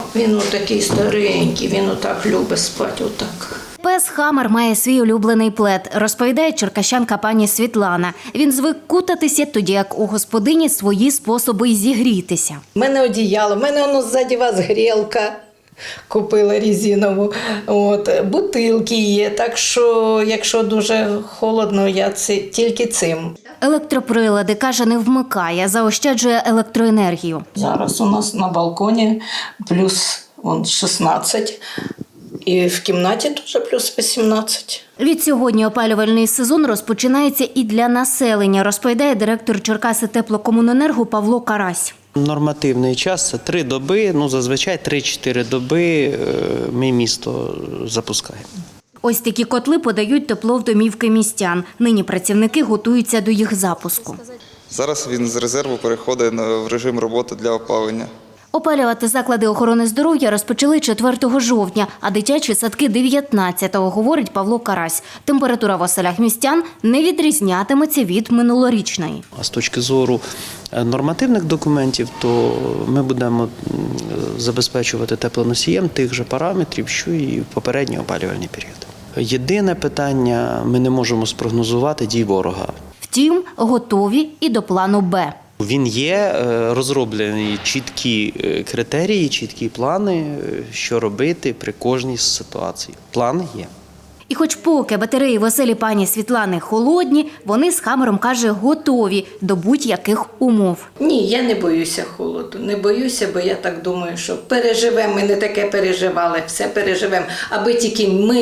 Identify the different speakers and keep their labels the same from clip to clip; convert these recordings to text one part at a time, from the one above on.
Speaker 1: Він отакий старенький, він отак любить спати, отак.
Speaker 2: Пес Хаммер має свій улюблений плед, розповідає черкащанка пані Світлана. Він звик кутатися, тоді як у господині свої способи зігрітися.
Speaker 1: У мене одіяло, в мене воно ззаді вас грілка. Купила резинову, бутилки є, так що, якщо дуже холодно, я тільки цим.
Speaker 2: Електроприлади, каже, не вмикає, заощаджує електроенергію.
Speaker 1: Зараз у нас на балконі плюс 16, і в кімнаті теж плюс 18.
Speaker 2: Відсьогодні опалювальний сезон розпочинається і для населення, розповідає директор Черкаси теплокомуненерго Павло Карась.
Speaker 3: Нормативний час – це 3 доби, зазвичай 3-4 доби ми місто запускаємо.
Speaker 2: Ось такі котли подають тепло в домівки містян. Нині працівники готуються до їх запуску.
Speaker 4: Зараз він з резерву переходить в режим роботи для опалення.
Speaker 2: Опалювати заклади охорони здоров'я розпочали 4 жовтня, а дитячі садки – 19-го, говорить Павло Карась. Температура в оселях містян не відрізнятиметься від минулорічної.
Speaker 3: А з точки зору нормативних документів, то ми будемо забезпечувати теплоносієм тих же параметрів, що і в попередній опалювальний період. Єдине питання – ми не можемо спрогнозувати дій ворога.
Speaker 2: Втім, готові і до плану «Б».
Speaker 3: Він є, розроблені чіткі критерії, чіткі плани, що робити при кожній ситуації. План є.
Speaker 2: І хоч поки батареї в оселі пані Світлани холодні, вони з Хаммером, каже, готові до будь-яких умов.
Speaker 1: Ні, я не боюся холоду, не боюся, бо я так думаю, що переживемо, ми не таке переживали, все переживемо,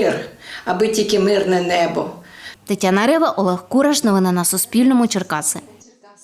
Speaker 1: аби тільки мирне небо.
Speaker 2: Тетяна Рева, Олег Кураш. Новини на Суспільному. Черкаси.